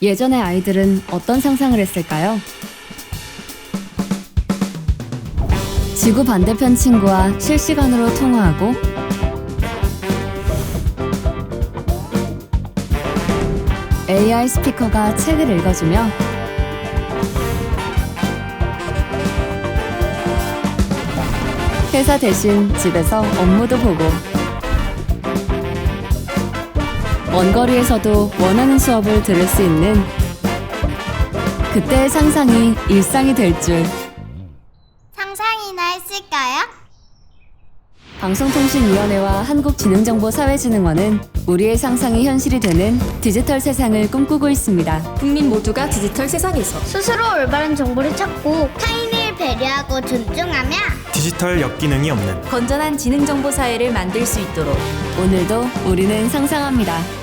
예전의 아이들은 어떤 상상을 했을까요? 지구 반대편 친구와 실시간으로 통화하고 AI 스피커가 책을 읽어주며 회사 대신 집에서 업무도 보고 먼 거리에서도 원하는 수업을 들을 수 있는 그때의 상상이 일상이 될 줄. 상상이나 했을까요? 방송통신위원회와 한국지능정보사회진흥원은 우리의 상상이 현실이 되는 디지털 세상을 꿈꾸고 있습니다. 국민 모두가 디지털 세상에서 스스로 올바른 정보를 찾고 타인을 배려하고 존중하며 디지털 역기능이 없는 건전한 지능정보 사회를 만들 수 있도록 오늘도 우리는 상상합니다.